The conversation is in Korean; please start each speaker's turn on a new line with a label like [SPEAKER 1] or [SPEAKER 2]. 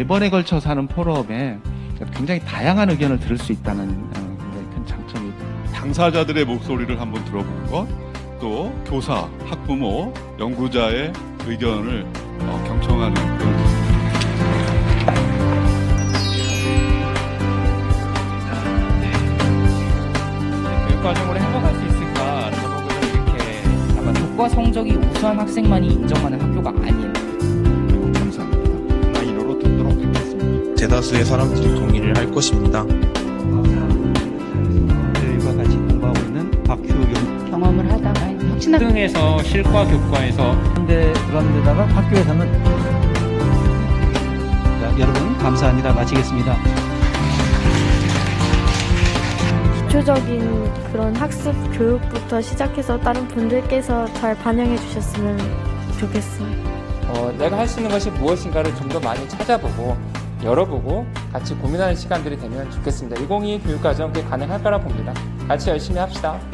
[SPEAKER 1] 4번에 걸쳐서 하는 포럼에 굉장히 다양한 의견을 들을 수 있다는 굉장히 큰 장점이 있습니다.
[SPEAKER 2] 당사자들의 목소리를 한번 들어보는 것, 또 교사, 학부모, 연구자의 의견을 경청하는 그런
[SPEAKER 3] 교육과정으로 행복할 수 있을까? 저보고 이렇게 아마 교과 성적이 우수한 학생만이 인정하는 학교가 아닌.
[SPEAKER 1] 매우 감사합니다. 마이너로 듣도록 하겠습니다.
[SPEAKER 4] 대다수의 사람들이 동의를 할 것입니다.
[SPEAKER 5] 저희와 같이 공부하고 있는 박효경
[SPEAKER 6] 경험을 하다가 혁신학
[SPEAKER 3] 등에서 실과 교과에서
[SPEAKER 5] 현대 그런 데다가 학교에서는 자, 여러분 감사합니다. 마치겠습니다.
[SPEAKER 7] 기초적인 그런 학습 교육부터 시작해서 다른 분들께서 잘 반영해 주셨으면 좋겠어요.
[SPEAKER 8] 내가 할 수 있는 것이 무엇인가를 좀 더 많이 찾아보고 열어보고 같이 고민하는 시간들이 되면 좋겠습니다. 2022 교육과정 그게 가능할 거라 봅니다. 같이 열심히 합시다.